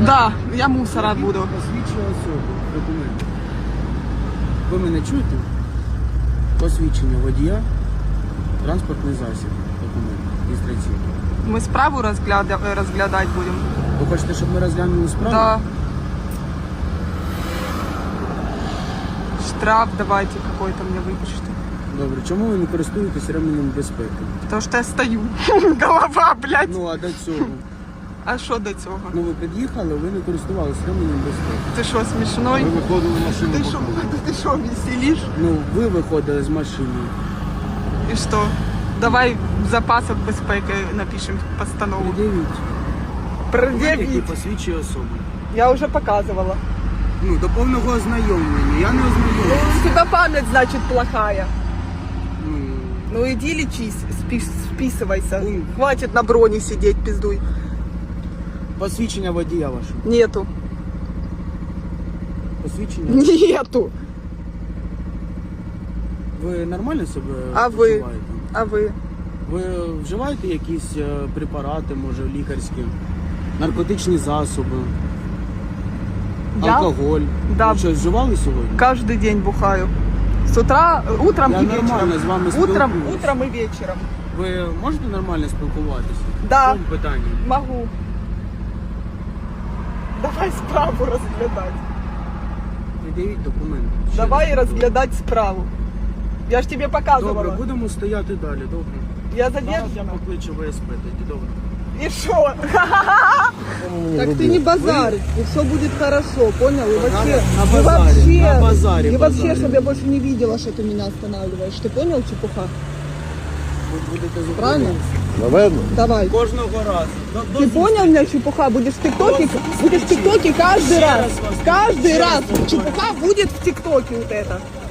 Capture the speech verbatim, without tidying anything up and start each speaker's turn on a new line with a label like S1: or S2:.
S1: Да, я мусора буду.
S2: Посвідчення особи, документи. Ви мене чуєте? Посвідчення водія, транспортний засіб, документ, реєстраційний.
S1: Ми справу розгляда... розглядати будемо.
S2: Ви хочете, щоб ми розглянули справу?
S1: Да. Штраф давайте какой-то мне выпишите.
S2: Добре, чому ви не користуєтесь ременем безпеки?
S1: Потому что я стою. Голова, блядь.
S2: Ну, а до цього?
S1: А що до цього?
S2: Ну, ви під'їхали, ви не користувалися ременем безпеки.
S1: Ти що, смішной?
S3: Ми виходили в машину.
S1: Ти що, ти що, веселиш?
S2: Ну, ви виходили з машини.
S1: І що? Давай в запасах безпеки напишемо постанову.
S2: Пред'явіть. Документ, який
S1: Пред'явіть.
S2: посвідчує особу.
S1: Я вже показувала.
S2: Ну, до повного ознайомлення. Я не ознайомлюся.
S1: У тебя память, значит, плохая.
S2: Ну,
S1: Ну иди лечись, спи- списывайся.
S2: Ну.
S1: Хватит на броне сидеть, пиздуй.
S2: посвідчення водія вашого.
S1: Нету.
S2: Посвідчення?
S1: Нету.
S2: Ви нормально себе
S1: А ви?
S2: почуваєте?
S1: А вы?
S2: Ви вживаєте якісь е, препарати, може, лікарські, наркотичні засоби,
S1: Я?
S2: алкоголь?
S1: Да.
S2: Ви щось вживали сьогодні?
S1: Каждый день бухаю. С утра, утром
S2: Я
S1: и
S2: нормально
S1: вечером.
S2: з вами
S1: Утром,
S2: спілкуюсь.
S1: утром и вечером.
S2: Ви можете нормально спілкуватися?
S1: Да.
S2: В цьому питанні?
S1: Могу. Давай справу розглядати.
S2: Пред'явіть документи. Ще
S1: Давай
S2: раз.
S1: розглядати справу. Я ж тебе показувала.
S2: Добре, будемо стояти далі, добре.
S1: Я
S2: Зараз я
S1: задержана.
S2: покличу ВСП, тоді добре.
S1: И шо? Так ты не базарь, и все будет хорошо, понял? И вообще,
S2: на
S1: и
S2: базаре,
S1: вообще,
S2: на базаре,
S1: и вообще,
S2: базаре.
S1: чтобы я больше не видела, что ты меня останавливаешь. Ты понял, чепуха?
S2: Ви будете
S1: Правильно?
S2: зупинятися.
S3: Наверно.
S1: Давай.
S2: Кожного разу. До-
S1: Ты
S2: до
S1: понял меня, чепуха? Будешь в ТикТоке, будешь в ТикТоке каждый
S2: Ще
S1: раз.
S2: раз вас-
S1: Каждый
S2: ще раз
S1: раз.
S2: повторю.
S1: Чепуха будет в ТикТоке вот это.